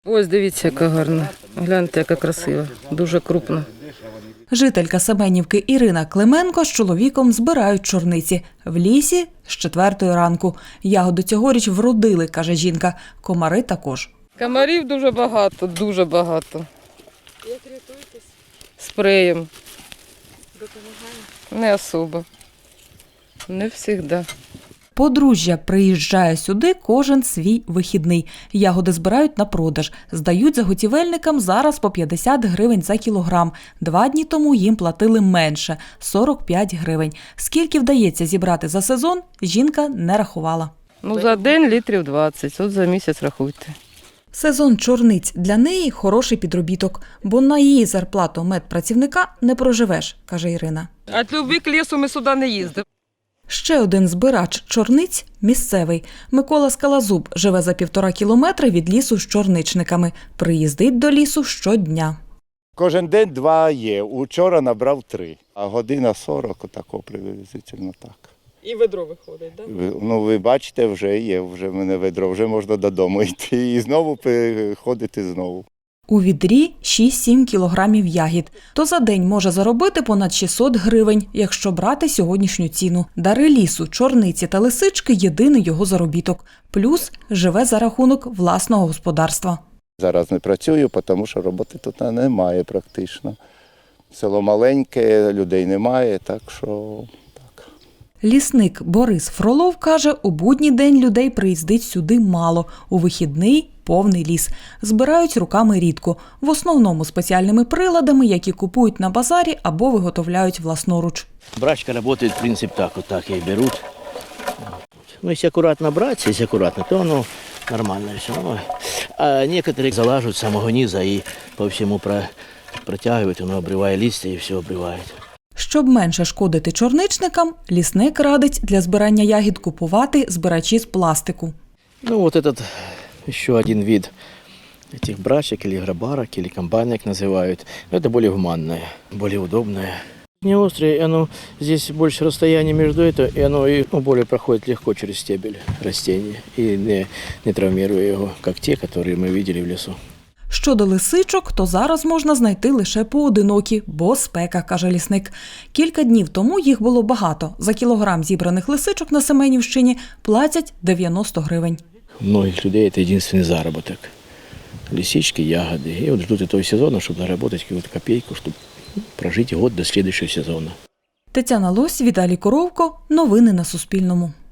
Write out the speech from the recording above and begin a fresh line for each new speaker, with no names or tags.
Ось дивіться, яка гарна. Гляньте, яка красива. Дуже крупна.
Жителька Семенівки Ірина Клименко з чоловіком збирають чорниці. В лісі з 4 ранку. Ягоди цьогоріч вродили, каже жінка. Комари також.
Комарів дуже багато, дуже багато.
Як рятуєтесь?
Спреєм.
Допомагає?
Не особо. Не завжди.
Подружжя приїжджає сюди кожен свій вихідний. Ягоди збирають на продаж. Здають заготівельникам зараз по 50 гривень за кілограм. 2 дні тому їм платили менше – 45 гривень. Скільки вдається зібрати за сезон, жінка не рахувала.
За день літрів 20, от за місяць рахуйте.
Сезон чорниць для неї – хороший підробіток, бо на її зарплату медпрацівника не проживеш, каже Ірина.
Від любви к лісу ми сюди не їздимо.
Ще один збирач чорниць – місцевий. Микола Скалазуб живе за 1,5 кілометри від лісу з чорничниками. Приїздить до лісу щодня.
Кожен день 2 є. Учора набрав 3. А година 40, отако приблизительно так.
І ведро виходить, так?
Ви бачите, вже є, вже в мене ведро, вже можна додому йти і знову приходити знову.
У відрі 6-7 кілограмів ягід. То за день може заробити понад 600 гривень, якщо брати сьогоднішню ціну. Дари лісу, чорниці та лисички – єдиний його заробіток. Плюс живе за рахунок власного господарства.
Зараз не працюю, тому що роботи тут немає практично. Село маленьке, людей немає, так що так.
Лісник Борис Фролов каже, у будній день людей приїздить сюди мало, у вихідний – повний ліс. Збирають руками рідко, в основному спеціальними приладами, які купують на базарі або виготовляють власноруч.
Брачка работает, принцип так, вот так и берут. Ну, если аккуратно брать, если аккуратно, то оно нормально все. А некоторые залаживают с самого низа и по всему протягивают, оно обрывает листья и все обрывает.
Щоб менше шкодити чорничникам, лісник радить для збирання ягід купувати збирачі з пластику.
Ну, вот этот еще один вид этих брачек или грабарок, или комбайнок называют. Это более гуманное, более удобное. Не острое, оно здесь больше расстояние между этим, и оно более проходит легко через стебель растения и не травмируя его, как те, которые мы видели в лесу.
Щодо лисичок, то зараз можна знайти лише поодинокі, бо спека, каже лісник. Кілька днів тому їх було багато. За кілограм зібраних лисичок на Семенівщині платять 90 гривень.
У многих людей это единственный заработок. Лисички, ягоды. И вот ждут этого сезона, чтобы заработать какую-то копейку, чтобы прожить год до следующего сезона.
Тетяна Лось, Віталій Коровко. Новини на Суспільному.